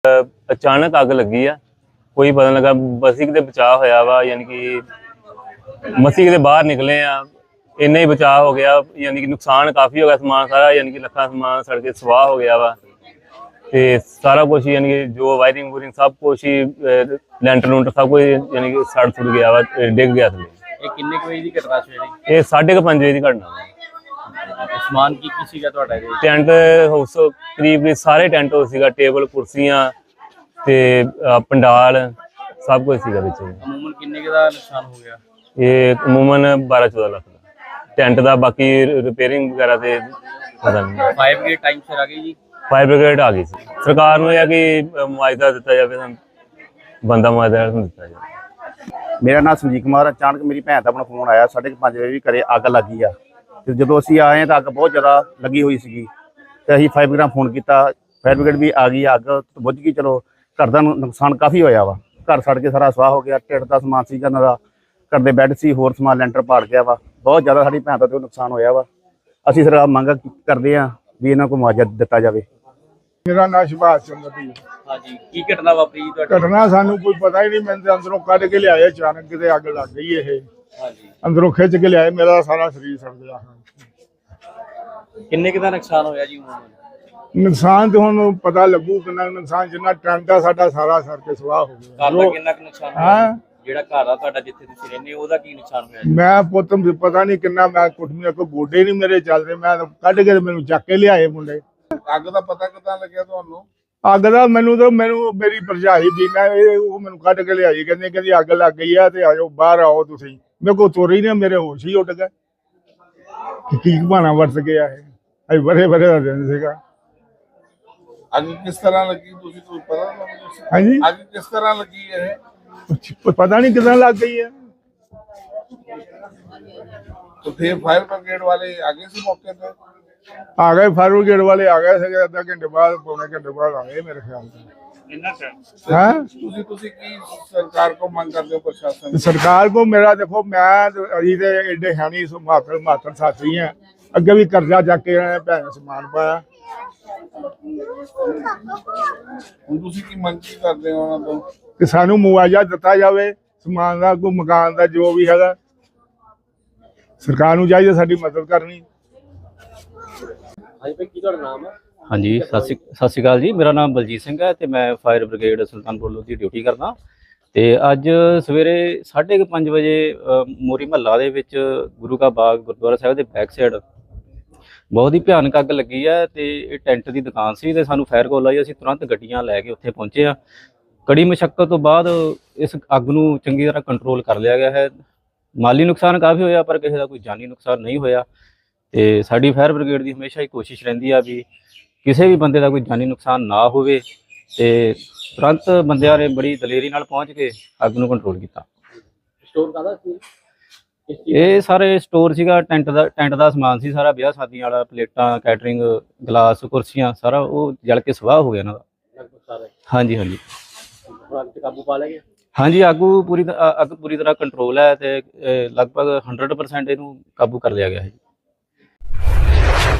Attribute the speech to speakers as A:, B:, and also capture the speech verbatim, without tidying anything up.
A: अचानक अग लगी आ, कोई पता नहीं लगा। बसी किते बचाव होया वा, यानी कि मसी किते बाहर निकले आ, इन्ना ही बचाव हो गया। यानी कि नुकसान काफ़ी हो गया, समान सारा यानी कि लखा समान सड़ के सवाह हो गया वा। ते सारा कुछ यानी कि जो वायरिंग वूरिंग सब कुछ ही लैंटर लूंटर सब कुछ यानी कि सड़ सुड़ गया वा, डिग गया थले।
B: ਇਹ ਕਿੰਨੇ ਕੁ ਵਜੇ ਦੀ ਘਟਨਾ ਸੀ ਜਿਹੜੀ?
A: ये साढ़े क पंज बजे की घटना वा।
B: ਸਮਾਨ ਕੀ ਕੀ ਸੀਗਾ ਤੁਹਾਡਾ ਇਹਦੇ ਵਿੱਚ?
A: ਟੈਂਟ ਹਾਊਸ ਕਰੀਬ ਸਾਰੇ ਟੈਂਟ ਹਾਊਸ ਸੀਗਾ, ਟੇਬਲ ਕੁਰਸੀਆਂ ਤੇ ਪੰਡਾਲ ਸਭ ਕੁਝ ਸੀਗਾ ਵਿੱਚ।
B: ਅਮੂਮਨ ਕਿੰਨੇ ਕੁ ਦਾ ਨੁਕਸਾਨ ਹੋ ਗਿਆ?
A: ਇਹ ਅਮੂਮਨ ਬਾਰਾਂ ਚੌਦਾਂ ਲੱਖ ਦਾ ਟੈਂਟ ਦਾ, ਬਾਕੀ ਰਿਪੇਅਰਿੰਗ ਵਗੈਰਾ ਤੇ ਪਤਾ ਨਹੀਂ।
B: ਫਾਇਰ ਬ੍ਰਿਗੇਡ ਟਾਈਮ ਸਿਰ ਆ ਗਈ ਜੀ?
A: ਫਾਇਰ ਬ੍ਰਿਗੇਡ ਆ ਗਈ ਸੀ। ਸਰਕਾਰ ਨੂੰ ਇਹ ਕਿ ਮੁਆਵਜ਼ਾ ਦਿੱਤਾ ਜਾਵੇ, ਸਾਨੂੰ ਬੰਦਾ ਮੁਆਵਜ਼ਾ ਦਿੱਤਾ ਜਾਵੇ।
C: मेरा नाम संजीव कुमार। अचानक मेरी भैन का अपना फोन आया साढ़े पाँच बजे भी घरे अग लग गई आ। तो जो असी आए तो अग बहुत ज़्यादा लगी हुई सी, तो अं फायर ब्रिगेड फोन किया, फायर ब्रिगेड भी आ गई। अग तो बुझ गई। चलो घर का नुकसान काफ़ी होया वा, घर सड़ के सारा स्वाह हो गया। ढिड का समान सी, घर के बैड से होर समान लैंटर पाड़ गया वा। बहुत ज़्यादा साड़ी भैन का तो नुकसान होया वा। असी सरकार मंग करते हैं भी इन्हों को मुआवजा दिता जाए।
D: मेरा नाम सुभाष चंद्र भी।
B: हाँ जी, की घटना वापरी जी ਤੁਹਾਡੇ?
D: घटना सानू कोई पता ही नहीं। मैं तो अंदरों कढ़ के लिया, अचानक किते अग लग गई है।
B: हाँ जी,
D: अंदरों खिंच के लिया, मेरा सारा शरीर सड़ गया।
B: ਕਿੰਨੇ ਕੁ ਦਾ ਨੁਕਸਾਨ ਹੋਇਆ ਜੀ ਅਮੂਮਨ?
D: नुकसान तो हुण पता लगू कितना नुकसान, जिन्ना टैंट आ साडा सारा सड़ के स्वाह हो गया।
B: ਘਰ ਦਾ ਕਿੰਨਾ ਕੁ ਨੁਕਸਾਨ ਹੋਇਆ?
D: हाँ
B: ਜਿਹੜਾ ਘਰ ਆ ਤੁਹਾਡਾ ਜਿੱਥੇ ਤੁਸੀਂ ਰਹਿੰਦੇ ਹੋ ਉਹਦਾ ਕੀ ਨੁਕਸਾਨ ਹੋਇਆ ਜੀ?
D: मैं पुत पता नहीं किन्ना, मैं कुटमिया को गोडे नहीं मेरे चल रहे। मैं कढ़ के मैनू चक के लियाए मुंडे।
E: ਅੱਗ ਦਾ ਪਤਾ ਕਿੱਦਾਂ ਲੱਗਿਆ ਤੁਹਾਨੂੰ?
D: अग का मैनू तो मैनू मेरी भरजाई बीना मैनू कढ़ के लियाई, कहते कहती अग लग गई है तो आओ बाहर आओ। तुम मेरे को तुर ही नहीं, मेरे होश ही उड़ गए। की बहाना वरत गया है, अभी बड़े बड़े का दिन सीगा।
E: ਅੱਗ ਕਿਸ ਤਰ੍ਹਾਂ ਲੱਗੀ ਤੁਸੀਂ ਤੁਹਾਨੂੰ ਪਤਾ ਤੁਹਾਨੂੰ?
D: हाँ जी,
E: ਅੱਗ ਕਿਸ ਤਰ੍ਹਾਂ ਲੱਗੀ ਇਹ?
D: कुछ पता नहीं कितना लग गई है।
E: तो फिर फायर ब्रिगेड वाले आगे से मौके पे?
D: आ गए फायर ब्रिगेड वाले, आ गए थे अद्धा घंटे बाद पौने घंटे बाद आ गए मेरे ख्याल से। हाँ
E: ਤੁਸੀਂ ਤੁਸੀਂ ਕੀ ਸਰਕਾਰ ਕੋ ਮੰਗ ਕਰਦੇ ਹੋ ਪ੍ਰਸ਼ਾਸਨ?
D: सरकार को मेरा देखो, मैं तो अभी तो एडे है नहीं, मातर मातर साथी हैं। अगे भी कर्जा जाके भैन समान पाया।
E: ਹੁਣ ਤੁਸੀਂ ਕੀ ਮੰਗ ਕੀ ਕਰਦੇ ਹੋ ਉਹਨਾਂ ਤੋਂ?
D: कि सानू मुआवजा दिता जाए, समान का कोई मकान का जो भी है। सरकार नूं चाहिए साडी मदद करनी।
B: ਹਾਂਜੀ ਭਾਈ, ਕੀ ਤੁਹਾਡਾ ਨਾਮ ਹੈ?
F: ਹਾਂਜੀ, ਸਤਿ ਸ਼੍ਰੀ ਸਤਿ ਸ਼੍ਰੀ ਅਕਾਲ ਜੀ। ਮੇਰਾ ਨਾਮ ਬਲਜੀਤ ਸਿੰਘ ਹੈ ਤੇ ਮੈਂ fire brigade Sultanpur Lodhi duty ਕਰਦਾ। ਤੇ ਅੱਜ ਸਵੇਰੇ ਸਾਢੇ ਕੁ ਪੰਜ ਵਜੇ ਮੋਰੀ ਮਹੱਲਾ ਦੇ ਵਿੱਚ ਗੁਰੂ ਕਾ ਬਾਗ ਗੁਰਦੁਆਰਾ ਸਾਹਿਬ ਦੇ ਬੈਕ ਸਾਈਡ ਬਹੁਤ ਹੀ ਭਿਆਨਕ ਅੱਗ ਲੱਗੀ ਹੈ। ਤੇ ਇਹ ਟੈਂਟ ਦੀ ਦੁਕਾਨ ਸੀ ਤੇ ਸਾਨੂੰ ਫਾਇਰ ਕਾਲ ਆਈ। ਅਸੀਂ ਤੁਰੰਤ ਗੱਡੀਆਂ ਲੈ ਕੇ ਉੱਥੇ ਪਹੁੰਚੇ ਆ। ਕੜੀ ਮੁਸ਼ੱਕਤ ਤੋਂ ਬਾਅਦ ਇਸ ਅੱਗ ਨੂੰ ਚੰਗੀ ਤਰ੍ਹਾਂ ਕੰਟਰੋਲ ਕਰ ਲਿਆ ਗਿਆ ਹੈ। ਮਾਲੀ ਨੁਕਸਾਨ ਕਾਫੀ ਹੋਇਆ ਪਰ ਕਿਸੇ ਦਾ ਕੋਈ ਜਾਨੀ ਨੁਕਸਾਨ ਨਹੀਂ ਹੋਇਆ। ਤੇ ਸਾਡੀ ਫਾਇਰ ਬ੍ਰਿਗੇਡ ਦੀ ਹਮੇਸ਼ਾ ਹੀ ਕੋਸ਼ਿਸ਼ ਰਹਿੰਦੀ ਆ ਵੀ ਕਿਸੇ ਵੀ ਬੰਦੇ ਦਾ ਕੋਈ ਜਾਨੀ ਨੁਕਸਾਨ ਨਾ ਹੋਵੇ। ਤੇ ਤੁਰੰਤ ਬੰਦਿਆਂ ਨੇ ਬੜੀ ਦਲੇਰੀ ਨਾਲ ਪਹੁੰਚ ਕੇ ਅੱਗ ਨੂੰ ਕੰਟਰੋਲ ਕੀਤਾ।
B: ਸਟੋਰ ਕਾਹਦਾ ਸੀ?
F: ਇਹ ਸਾਰੇ ਸਟੋਰ ਸੀਗਾ, ਟੈਂਟ ਦਾ ਟੈਂਟ ਦਾ ਸਮਾਨ ਸੀ ਸਾਰਾ, ਵਿਆਹ ਸ਼ਾਦੀਆਂ ਵਾਲਾ, ਪਲੇਟਾਂ, ਕੈਟਰਿੰਗ, ਗਲਾਸ, ਕੁਰਸੀਆਂ, ਸਾਰਾ ਉਹ ਜਲ ਕੇ ਸਵਾਹ ਹੋ ਗਿਆ ਇਹਨਾਂ ਦਾ।
B: ਲਗਭਗ ਸਾਰਾ
F: ਹਾਂਜੀ ਹਾਂਜੀ
B: ਹੁਣ ਅੱਗ ਤੇ ਕਾਬੂ ਪਾ ਲਿਆ ਗਿਆ?
F: ਹਾਂਜੀ, ਆਗੂ ਪੂਰੀ ਤ- ਅੱਗ ਪੂਰੀ ਤਰ੍ਹਾਂ ਕੰਟਰੋਲ ਹੈ ਤੇ ਅਹ, ਲਗਭਗ ਹੰਡਰਡ ਪਰਸੈਂਟ ਇਹਨੂੰ ਕਾਬੂ ਕਰ ਲਿਆ ਗਿਆ ਹੈ।